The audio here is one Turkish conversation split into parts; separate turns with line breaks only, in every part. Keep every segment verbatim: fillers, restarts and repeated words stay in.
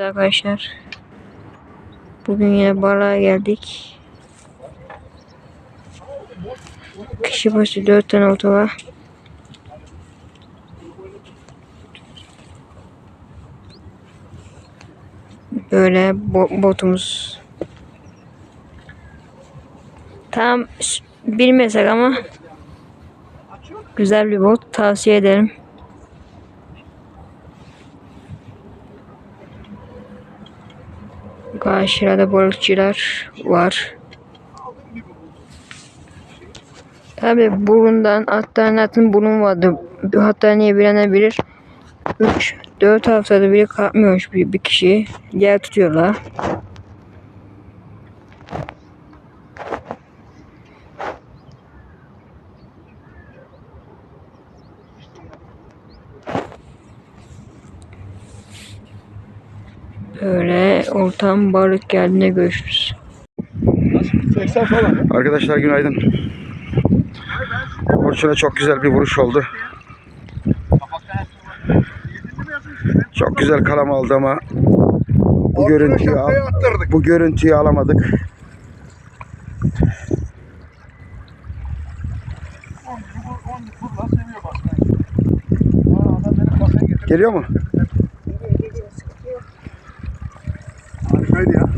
Arkadaşlar, bugün yine balığa geldik. Kişi başı dört tane olta var. Böyle bo botumuz. Tam bilmesek ama güzel bir bot, tavsiye ederim. Karşıda balıkçılar var. Tabi burundan alternatın burun vardı. Hatta niye bilenler bilir. üç dört haftada bile kalkmıyormuş bir, bir kişi. Diğer tutuyorlar. Böyle ortam balık geldiğinde görüşürüz.
Arkadaşlar günaydın. Orçun'a çok güzel bir vuruş oldu. Çok güzel kalam aldı ama bu görüntüyü al, bu görüntüyü alamadık. Geliyor mu?
Harikaydı ya.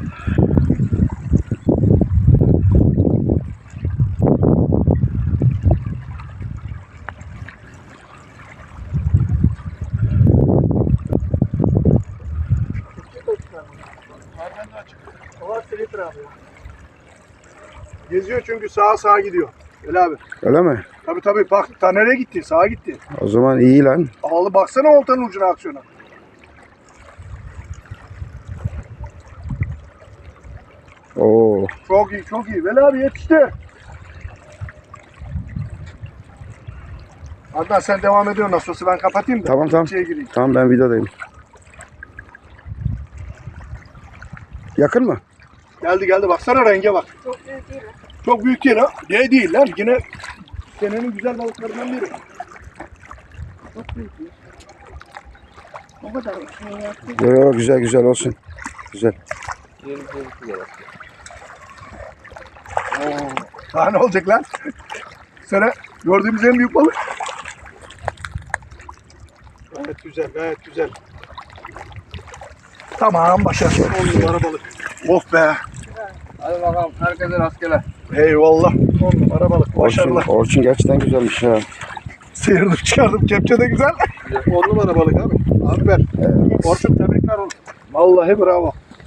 Geziyor çünkü sağa sağa gidiyor. Öyle abi.
Öyle mi?
Tabii tabii bak ta nereye gitti? Sağa gitti.
O zaman iyi lan.
Ağlı baksana oltanın ucuna aksiyona.
Oo.
Çok iyi çok iyi. Veli abi yetişti. Adnan sen devam ediyorsun nasıl olsa ben kapatayım da.
Tamam tamam.
İçeriye gireyim.
Tamam ben videodayım. Yakın mı?
Geldi geldi baksana renge bak.
Çok büyük değil mi?
Çok büyük değil ha. Ne değil lan yine senenin güzel balıklarından biri.
Çok büyük değil. O kadar şey yaptı.
Yo, yo, güzel güzel olsun. Güzel.
Oo. Daha ne olacak lan? Sene gördüğümüz en büyük balık. Gayet güzel, gayet güzel. Tamam, başarılı. On numara balık. Of be.
Hadi bakalım, herkese rastgele.
Eyvallah. On numara balık. Başarılı.
Orçun, Orçun gerçekten güzelmiş ya.
Sıyırdım çıkardım. Kepçe de güzel. On numara balık abi. Aferin. Evet. Orçun tebrikler oğlum. Vallahi bravo.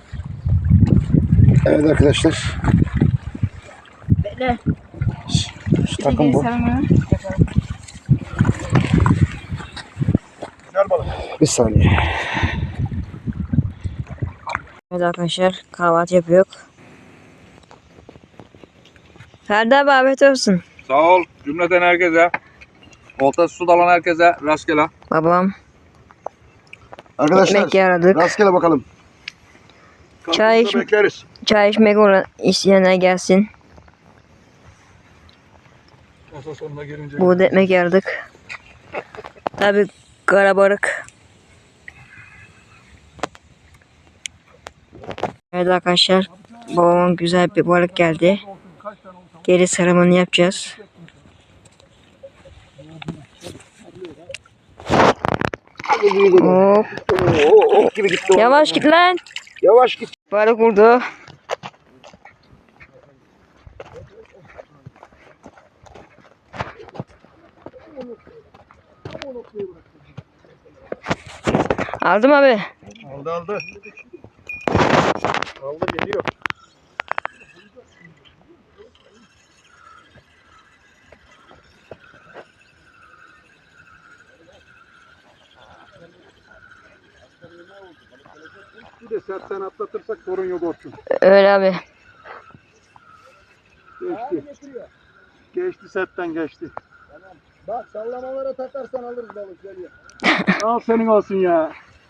Evet arkadaşlar.
Bekle.
Şu takım bu.
Güzel balık.
Bir saniye.
Evet arkadaşlar, kahvaltı yapıyor. Ferdi abi afiyet olsun.
Sağ ol cümleten herkese. Oltası su dalan herkese rastgele.
Babam.
Arkadaşlar
Ekmek yaradık.
rastgele bakalım.
Çay
Kapımızda
iç-
bekleriz.
Çay içmek olan isteyenler gelsin.
Masa sonuna gelince.
Buğda ekmek yaradık. Tabi karabalık. Evet arkadaşlar, babamın güzel bir balık geldi. Geri sarımını yapacağız. Hop.
Oo, ok gibi gitti.
Yavaş git lan.
Yavaş git.
Balık vurdu. Aldım abi.
Aldı aldı. Aldı geliyor. Bir de sertten atlatırsak sorun yok Orçun.
Öyle abi.
Geçti. Geçti setten geçti. Tamam. Bak sallamalara takarsan alırız balık geliyor. Al senin olsun ya.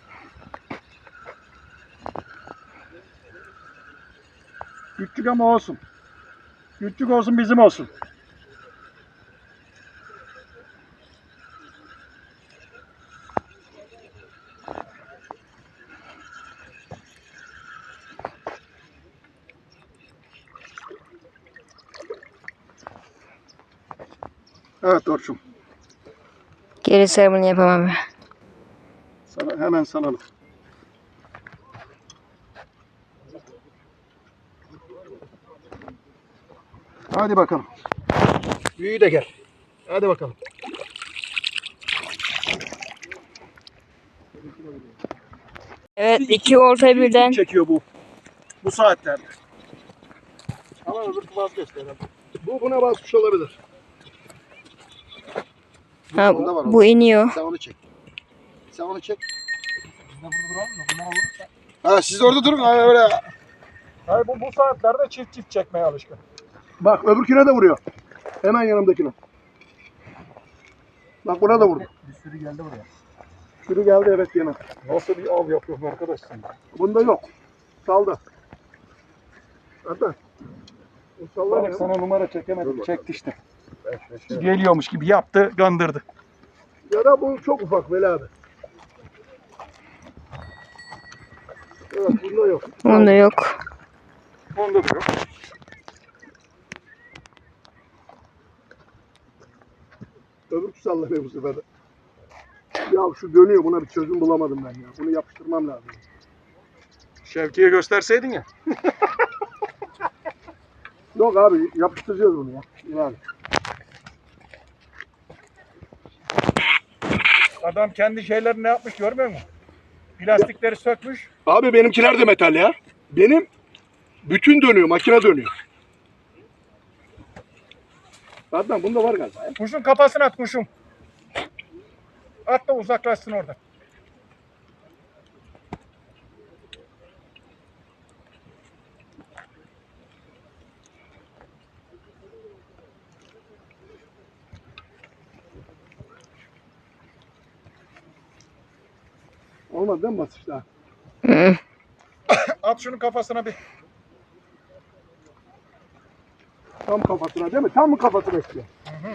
Küçük ama olsun. Küçük olsun bizim olsun. Evet Orçun.
Geri sarımını yapamam abi.
Sana hemen salalım. Hadi bakalım. Büyüğü de gel. Hadi bakalım.
Evet iki olta birden.
Çekiyor bu. Bu saatlerde. Ama öbür vazgeçti herhalde. Bu buna basmış olabilir.
Ha,
Onda var,
bu iniyor.
Sen onu çek. Sen onu çek. Biz de burada duralım da bunlara vurursa. Ha siz orada durun ha öyle. Hayır bu bu saatlerde çift çift çekmeye alışkın. Bak öbürküne de vuruyor. Hemen yanımdakine. Bak buna da vurdu. Bir sürü geldi buraya. Sürü geldi evet yine. Nasıl bir av yapıyorsun arkadaş sen? Bunda yok. Saldı. Hatta. Bak sana numara çekemedim. Çekti işte. Geliyormuş gibi yaptı, gandırdı. Ya da bu çok ufak Veli abi. Evet bunda yok.
Onda yok.
Onda da yok. Öbürkü sallanıyor bu sefer de. Ya şu dönüyor, buna bir çözüm bulamadım ben ya. Bunu yapıştırmam lazım. Şevki'ye gösterseydin ya. Yok abi yapıştıracağız bunu ya. Yani. Adam kendi şeylerini ne yapmış görmüyor musun? Plastikleri sökmüş. Abi benimkiler de metal ya. Benim bütün dönüyor, makine dönüyor. Zaten bunda var galiba. Ya. Kuşun kafasını at kuşum. At da uzaklaşsın orada. Olmadı değil mi basışta?
Hı.
At şunun kafasına bir. Tam kafasına değil mi? Tam mı kafasına bekliyor? Hı hı.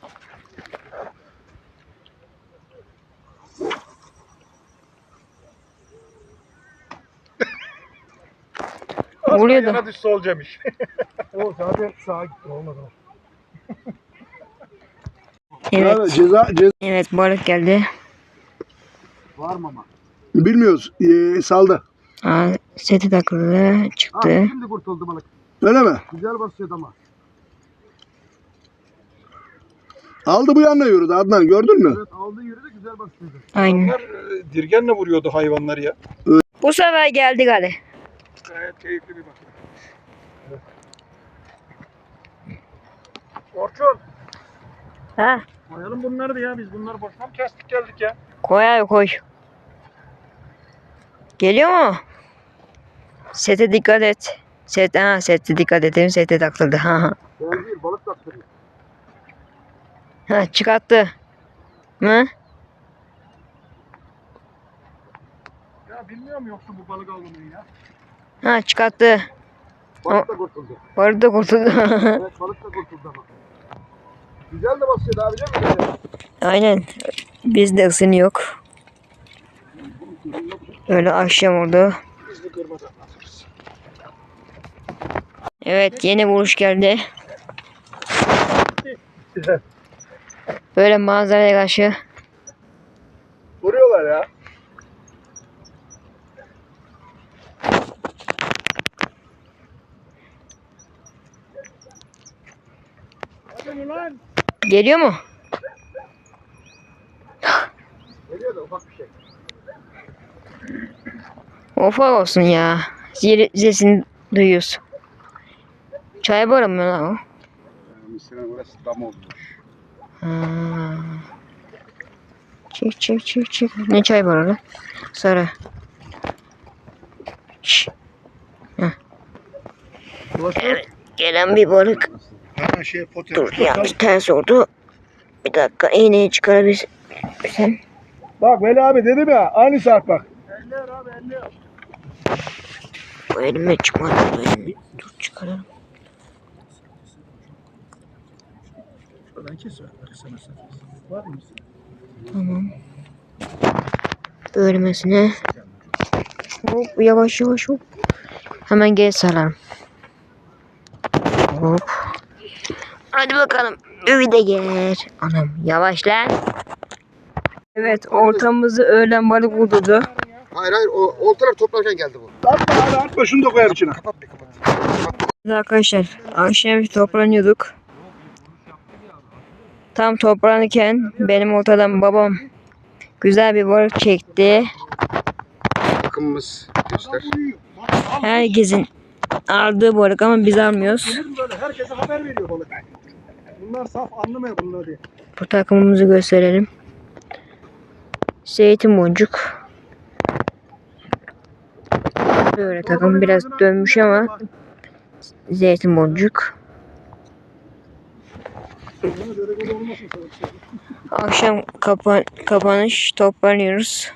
Vuruyor da.
Yana düşse olacakmış. O zaten sağa gitti olmadı.
Evet.
Ceza, ceza
Evet balık geldi.
var mı ama? Bilmiyoruz. Ee, saldı.
Aa, seti takıldı. Çıktı.
Şimdi kurtuldu balık. Öyle mi? Güzel basıyordu ama. Aldı bu yanına yürüdü Adnan gördün mü? Evet aldı yürüdü güzel basıyordu.
Aynen.
Onlar e, dirgenle vuruyordu hayvanları ya.
Bu sefer geldi galiba.
Gayet keyifli bir bakım. Evet. Orçun.
Ha,
Koyalım bunları da ya biz bunları boşuna mı kestik geldik ya?
koy abi koy. Geliyor mu? Sete dikkat et. Set, ha, sete dikkat edelim. Sete takıldı. Ha, ha.
Ben değil balık taktırıyor.
Ha, çıkarttı. Mı?
Ya bilmiyorum yoksa bu balık avlamayı ya.
Ha, çıkarttı.
Balık da kurtuldu.
Balık da kurtuldu.
Evet balık da kurtuldu ama. Güzel de basıyordu abi değil mi?
Aynen. Bizde ısın yok. Öyle akşam oldu.
Biz de kırmadan atırız.
Evet yeni vuruş geldi. Böyle manzaraya karşı.
Vuruyorlar ya. Hadi lan.
Geliyor mu?
Geliyor da ufak bir şey.
Ufak olsun ya. Zil, sesini duyuyoruz. Çay barı mı lan o?
Mısır'ın orası dam olmuş.
Ha. Çek çek çek çek. Ne çay barı lan? Sarı. Şşş. Evet. Gelen bir balık.
Ha şey poter.
Dur yanlış ters oldu. Bir dakika iğneyi çıkarabilirsen.
Bak Veli abi dedim ya aynı saat bak. elliyor abi elliyor.
Bu elime çıkmadı. Bu elime. Dur çıkaralım.
Şuradan kes sana var mı?
Tamam. Bölmesine. Hop yavaş yavaş hop. Hemen geri sararım. Hop. Hadi bakalım. Öyle gel. Anam yavaş lan. Evet ortamızı öğlen balık vurdu.
Hayır hayır o oltalar toplarken geldi bu.
Atma hadi atma şunu da koyayım içine.
Kapat bir kapat.
Arkadaşlar akşam toplanıyorduk. Tam toplanırken benim ortadan babam güzel bir balık çekti.
Bakımımız göster.
Herkesin aldığı balık ama biz almıyoruz.
Böyle herkese haber veriyor balık. Bunlar saf anlamıyor bunlar diye.
Bu takımımızı gösterelim. Zeytin boncuk. Böyle takım biraz dönmüş ama zeytin boncuk. Akşam kapan kapanış toplanıyoruz.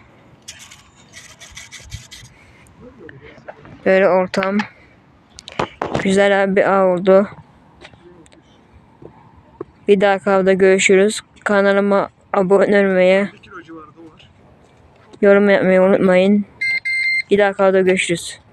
Böyle ortam. Güzel bir av oldu. Bir dahaki avda görüşürüz. Kanalıma abone olmayı, yorum yapmayı unutmayın. Bir dahaki avda görüşürüz.